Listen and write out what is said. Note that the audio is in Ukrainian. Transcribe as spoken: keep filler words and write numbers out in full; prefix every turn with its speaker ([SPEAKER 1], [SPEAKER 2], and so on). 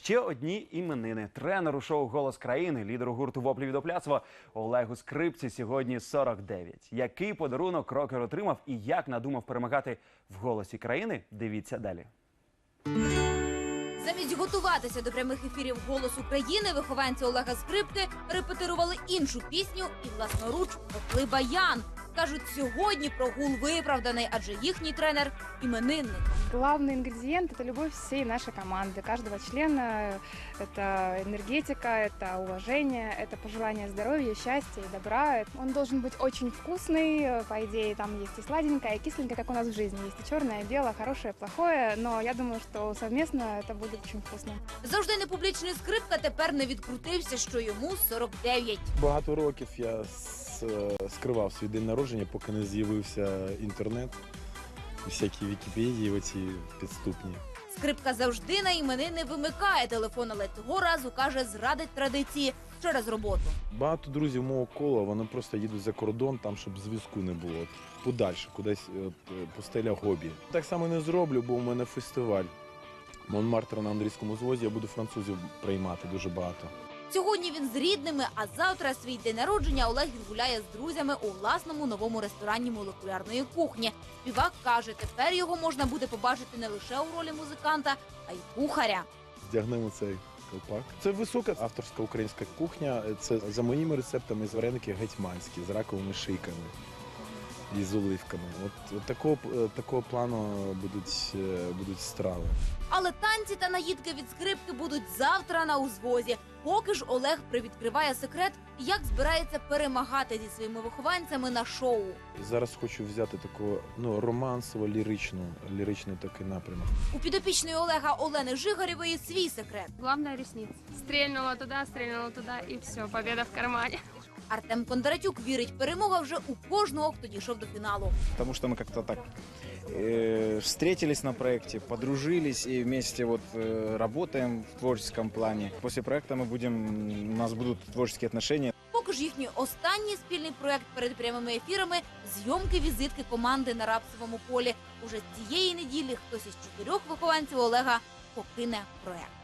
[SPEAKER 1] Ще одні іменини. Тренеру шоу «Голос країни», лідеру гурту «Воплі від опляцтва» Олегу Скрипці сьогодні сорок дев'ять. Який подарунок рокер отримав і як надумав перемагати в «Голосі країни» – дивіться далі.
[SPEAKER 2] Замість готуватися до прямих ефірів «Голос України» вихованці Олега Скрипки репетирували іншу пісню і власноруч попли баян. Кажуть, сьогодні прогул виправданий, адже їхній тренер – іменинник.
[SPEAKER 3] Главный ингредиент – это любовь всей нашей команды, каждого члена. Это энергетика, это уважение, это пожелание здоровья, счастья и добра. Он должен быть очень вкусный. По идее, там есть и сладенькое, и кисленькое, как у нас в жизни. Есть и черное, и белое, хорошее, плохое. Но я думаю, что совместно это будет очень вкусно.
[SPEAKER 2] Завжди непублічний Скрипка тепер не відкрутився, що йому сорок дев'ять.
[SPEAKER 4] Багато років я скривав свій день народження, поки не з'явився інтернет. Всякі Вікіпедії оці підступні.
[SPEAKER 2] Скрипка завжди на іменини вимикає телефон, але цього разу, каже, зрадить традиції через роботу.
[SPEAKER 4] Багато друзів мого кола, вони просто їдуть за кордон, там, щоб зв'язку не було. Подальше, кудись от, пустеля хобі. Так само не зроблю, бо у мене фестиваль. Монмартр на Андрійському звозі, я буду французів приймати дуже багато.
[SPEAKER 2] Сьогодні він з рідними, а завтра свій день народження Олег відгуляє з друзями у власному новому ресторані молекулярної кухні. Співак каже, тепер його можна буде побачити не лише у ролі музиканта, а й кухаря.
[SPEAKER 4] Здягнемо цей колпак. Це висока авторська українська кухня. Це за моїми рецептами з вареники гетьманські, з раковими шийками і з оливками. От, от такого, такого плану будуть, будуть страви.
[SPEAKER 2] Але танці та наїдки від Скрипки будуть завтра на узвозі. Поки ж Олег привідкриває секрет, як збирається перемагати зі своїми вихованцями на шоу.
[SPEAKER 4] Зараз хочу взяти таку ну, романсово-ліричну, ліричний такий напрямок.
[SPEAKER 2] У підопічної Олега Олени Жигарєвої свій секрет.
[SPEAKER 5] Главное – ресницы. Стрельнула туда, стрельнула туда, и все, победа в кармане.
[SPEAKER 2] Артем Кондратюк вірить, перемога вже у кожного, хто дійшов до фіналу.
[SPEAKER 6] Потому что мы как-то так э, встретились на проекте, подружились и вместе вот э, работаем в творческом плане. После проекта мы будем, у нас будут творческие отношения.
[SPEAKER 2] Поки ж їхній останній спільний проект перед прямими ефірами – зйомки візитки команди на Рапсовому полі. Уже цієї неділі хтось із чотирьох вихованців Олега покине проект.